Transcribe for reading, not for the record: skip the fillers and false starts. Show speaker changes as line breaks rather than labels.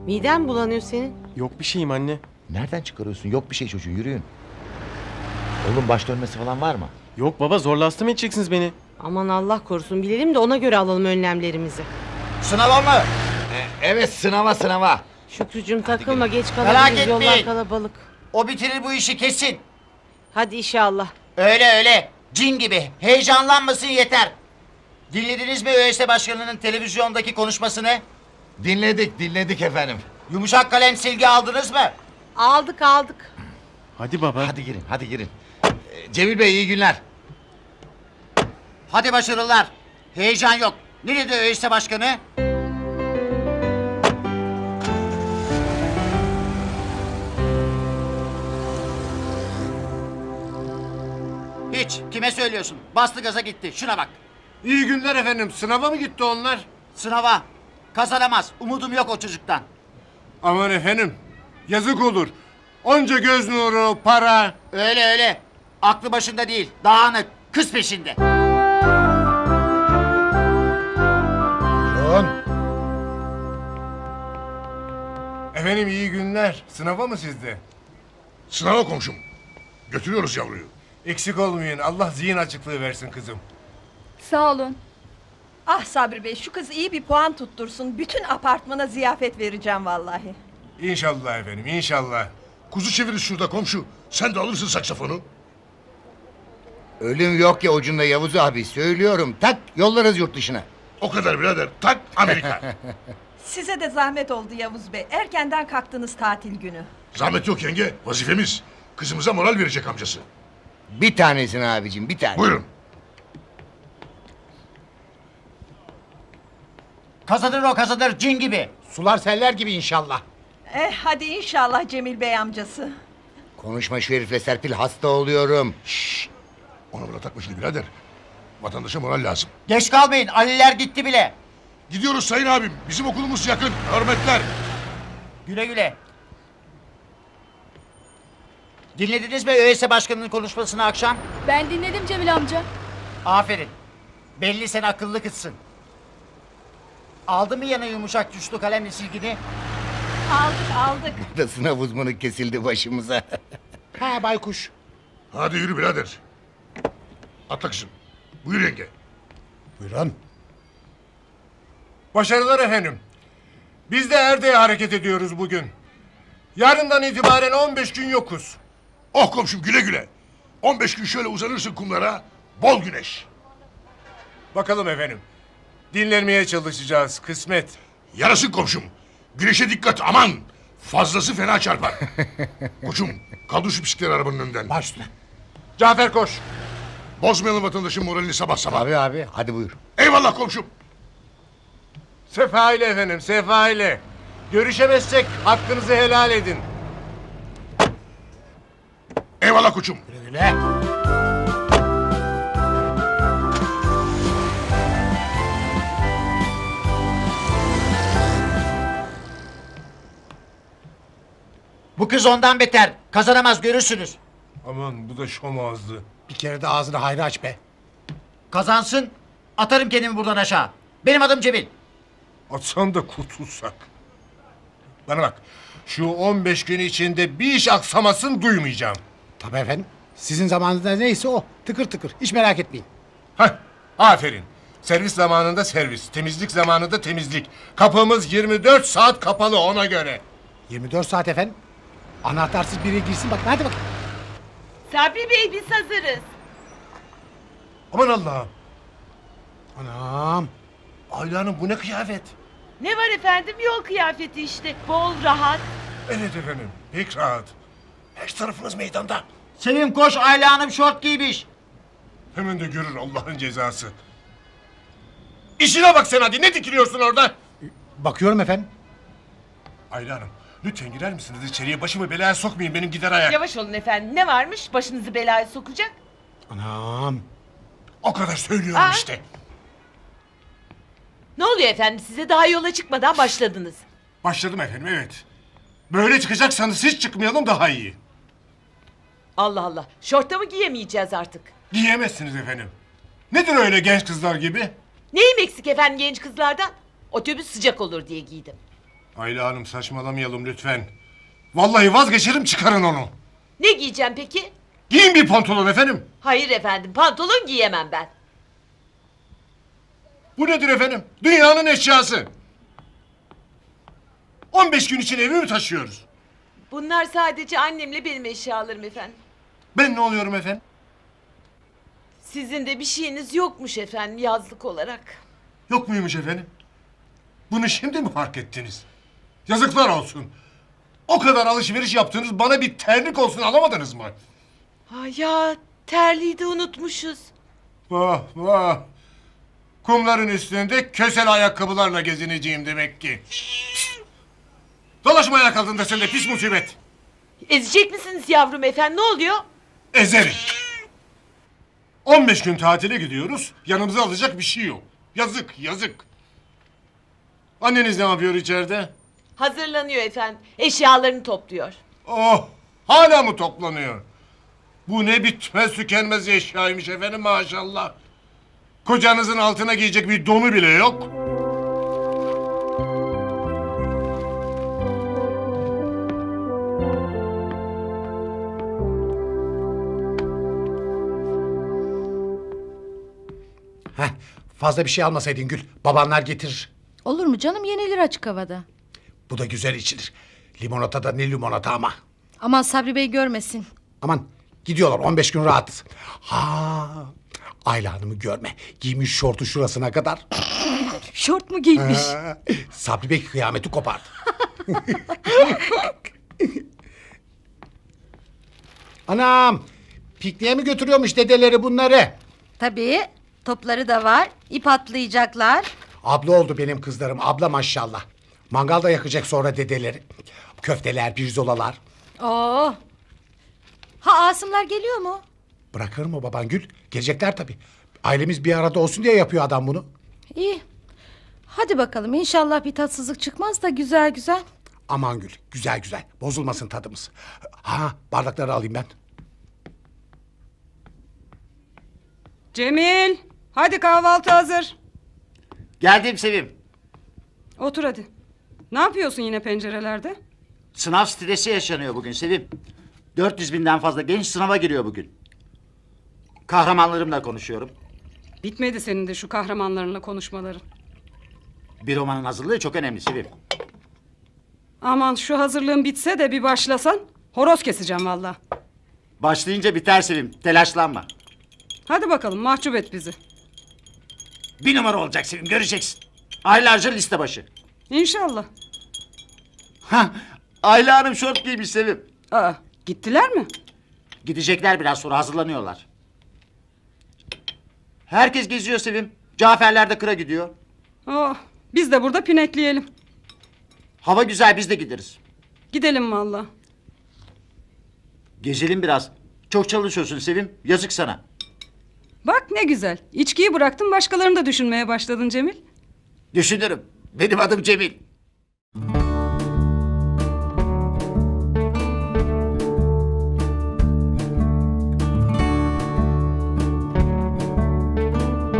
Miden bulanıyor senin.
Yok bir şeyim anne.
Nereden çıkarıyorsun? Yok bir şey çocuğu, yürüyün. Oğlum baş dönmesi falan var mı?
Yok baba, zorla hasta mı edeceksiniz beni?
Aman Allah korusun, bilelim de ona göre alalım önlemlerimizi.
Sınava mı?
Evet, sınava.
Şükrücüğüm takılma, geç
Merak
kalabiliriz, yollar
etmeyin.
kalabalık.
O bitirir bu işi kesin.
Hadi inşallah.
Öyle. Cin gibi. Heyecanlanmasın yeter. Dinlediniz mi ÖSS Başkanı'nın televizyondaki konuşmasını?
Dinledik efendim.
Yumuşak kalem silgi aldınız mı?
Aldık.
Hadi baba.
Hadi girin. Cemil Bey, iyi günler.
Hadi başarılar. Heyecan yok. Nerede ÖSS Başkanı? Hiç. Kime söylüyorsun? Bastı gaza gitti. Şuna bak.
İyi günler efendim. Sınava mı gitti onlar?
Sınava. Kazanamaz. Umudum yok o çocuktan.
Aman efendim. Yazık olur. Onca göz nuru, para.
Öyle. Aklı başında değil. Dağınık. Kız peşinde.
Efendim iyi günler. Sınava mı sizde?
Sınava komşum. Götürüyoruz yavruyu.
Eksik olmayın. Allah zihin açıklığı versin kızım.
Sağ olun. Ah Sabri Bey, şu kız iyi bir puan tuttursun. Bütün apartmana ziyafet vereceğim vallahi.
İnşallah efendim, inşallah.
Kuzu çeviririz şurada komşu. Sen de alırsın saksafonu.
Ölüm yok ya ucunda Yavuz abi, söylüyorum. Tak, yollarız yurt dışına.
O kadar birader. Tak Amerika.
Size de zahmet oldu Yavuz Bey. Erkenden kalktınız tatil günü.
Zahmet yok yenge. Vazifemiz. Kızımıza moral verecek amcası.
Bir tanesini abicim, bir tane.
Buyurun.
Kazanır cin gibi.
Sular seller gibi inşallah.
Hadi inşallah Cemil Bey amcası.
Konuşma şu herifle Serpil, hasta oluyorum.
Ona buna takma şimdi birader. Vatandaşa moral lazım.
Geç kalmayın. Aliler gitti bile.
Gidiyoruz sayın abim. Bizim okulumuz yakın. Hürmetler.
Güle. Dinlediniz mi ÖSS Başkanı'nın konuşmasını akşam?
Ben dinledim Cemil amca.
Aferin. Belli sen akıllı kızsın. Aldı mı yana yumuşak tuşlu kalemle silgini?
Aldık.
Da sınav uzmanı kesildi başımıza.
Ha baykuş.
Hadi yürü birader. Atla kızım. Buyur yenge.
Buyurun. Başarılar efendim. Biz de Erde'ye hareket ediyoruz bugün. Yarından itibaren 15 gün yokuz.
Oh komşum güle. 15 gün şöyle uzanırsın kumlara. Bol güneş.
Bakalım efendim. Dinlenmeye çalışacağız, kısmet.
Yarasın komşum. Güneşe dikkat aman. Fazlası fena çarpar. Koçum kaldır şu bisikletleri arabanın önünden.
Baş üstüne. Cafer koş.
Bozmayalım vatandaşın moralini sabah sabah.
Abi, hadi buyur.
Eyvallah komşum.
Sefa ile efendim, sefa ile. Görüşemezsek hakkınızı helal edin.
Eyvallah koçum.
Bu kız ondan beter. Kazanamaz görürsünüz.
Aman bu da şom ağızlı.
Bir kere de ağzını hayra aç be.
Kazansın. Atarım kendimi buradan aşağı. Benim adım Cemil.
Atsan da kurtulsak. Bana bak. Şu 15 gün içinde bir iş aksamasın duymayacağım.
Tabii efendim. Sizin zamanınızda neyse o. Tıkır tıkır. Hiç merak etmeyin.
Hah, aferin. Servis zamanında servis, temizlik zamanında temizlik. Kapımız 24 saat kapalı ona göre.
24 saat efendim. Anahtarsız biri girsin bakın. Hadi bakın.
Sabri Bey biz hazırız.
Aman Allah'ım.
Anam.
Ayla Hanım bu ne kıyafet?
Ne var efendim, yol kıyafeti işte. Bol, rahat.
Evet efendim, pek rahat. Her tarafınız meydanda.
Sevim koş Ayla Hanım şort giymiş.
Hemen de görür Allah'ın cezası. İşine bak sen hadi, ne dikiliyorsun orada?
Bakıyorum efendim.
Ayla Hanım, lütfen girer misiniz içeriye? Başımı belaya sokmayın, benim gider ayak.
Yavaş olun efendim, ne varmış başınızı belaya sokacak?
Anam.
O kadar söylüyorum
Aa.
işte.
Ne oluyor efendim size, daha yola çıkmadan başladınız.
Başladım efendim, evet. Böyle çıkacaksanız hiç çıkmayalım daha iyi.
Allah Allah, şorta mı giyemeyeceğiz artık?
Giyemezsiniz efendim. Nedir öyle genç kızlar gibi?
Neyim eksik efendim genç kızlardan? Otobüs sıcak olur diye giydim.
Ayla Hanım saçmalamayalım lütfen. Vallahi vazgeçerim çıkarın onu.
Ne giyeceğim peki?
Giyin bir pantolon efendim.
Hayır efendim, pantolon giyemem ben.
Bu nedir efendim? Dünyanın eşyası. 15 gün için evi mi taşıyoruz?
Bunlar sadece annemle benim eşyalarım efendim.
Ben ne oluyorum efendim?
Sizin de bir şeyiniz yokmuş efendim yazlık olarak.
Yok muymuş efendim? Bunu şimdi mi fark ettiniz? Yazıklar olsun. O kadar alışveriş yaptınız, bana bir terlik olsun alamadınız mı?
Ha ya, terliği de unutmuşuz.
Vah vah. Kumların üstünde kösel ayakkabılarla gezineceğim demek ki. Dolaşma ayak altında sen de pis musibet.
Ezecek misiniz yavrum efendim, ne oluyor?
Ezerim. 15 gün tatile gidiyoruz, yanımıza alacak bir şey yok. Yazık, yazık. Anneniz ne yapıyor içeride?
Hazırlanıyor efendim, eşyalarını topluyor.
Oh, hala mı toplanıyor? Bu ne bitmez tükenmez eşyaymış efendim maşallah. Kocanızın altına giyecek bir donu bile yok.
Heh, fazla bir şey almasaydın Gül. Babanlar getirir.
Olur mu canım, yenilir açık havada.
Bu da güzel içilir. Limonata da ne limonata ama.
Aman Sabri Bey görmesin.
Aman gidiyorlar 15 gün rahatız. Ha, Ayla Hanım'ı görme. Giymiş şortu şurasına kadar.
Şort mu giymiş?
Sabri Bey kıyameti kopardı. Anam, pikniğe mi götürüyormuş dedeleri bunları?
Tabii, topları da var. İp atlayacaklar.
Abla oldu benim kızlarım, abla maşallah. Mangalda yakacak sonra dedeleri. Köfteler, pirzolalar.
Oo. Ha, Asımlar geliyor mu?
Bırakır mı baban Gül? Gelecekler tabii. Ailemiz bir arada olsun diye yapıyor adam bunu.
İyi. Hadi bakalım, inşallah bir tatsızlık çıkmaz da güzel güzel.
Aman Gül, güzel güzel. Bozulmasın tadımız. Ha, bardakları alayım ben.
Cemil, hadi kahvaltı hazır.
Geldim Sevim.
Otur hadi. Ne yapıyorsun yine pencerelerde?
Sınav stresi yaşanıyor bugün Sevim. 400 binden fazla genç sınava giriyor bugün. Kahramanlarımla konuşuyorum.
Bitmedi senin de şu kahramanlarınla konuşmaların.
Bir romanın hazırlığı çok önemli Sevim.
Aman şu hazırlığın bitse de bir başlasan horoz keseceğim valla.
Başlayınca biter Sevim, telaşlanma.
Hadi bakalım, mahcup et bizi.
Bir numara olacak Sevim, göreceksin. Aylarca liste başı.
İnşallah.
Hah, Ayla Hanım şort giymiş Sevim.
Aa, gittiler mi?
Gidecekler biraz sonra, hazırlanıyorlar. Herkes geziyor Sevim. Caferler de kıra gidiyor.
Oh, biz de burada pinekleyelim.
Hava güzel, biz de gideriz.
Gidelim valla.
Gezelim biraz. Çok çalışıyorsun Sevim, yazık sana.
Bak ne güzel. İçkiyi bıraktın, başkalarını da düşünmeye başladın Cemil.
Düşünürüm. Benim adım Cemil.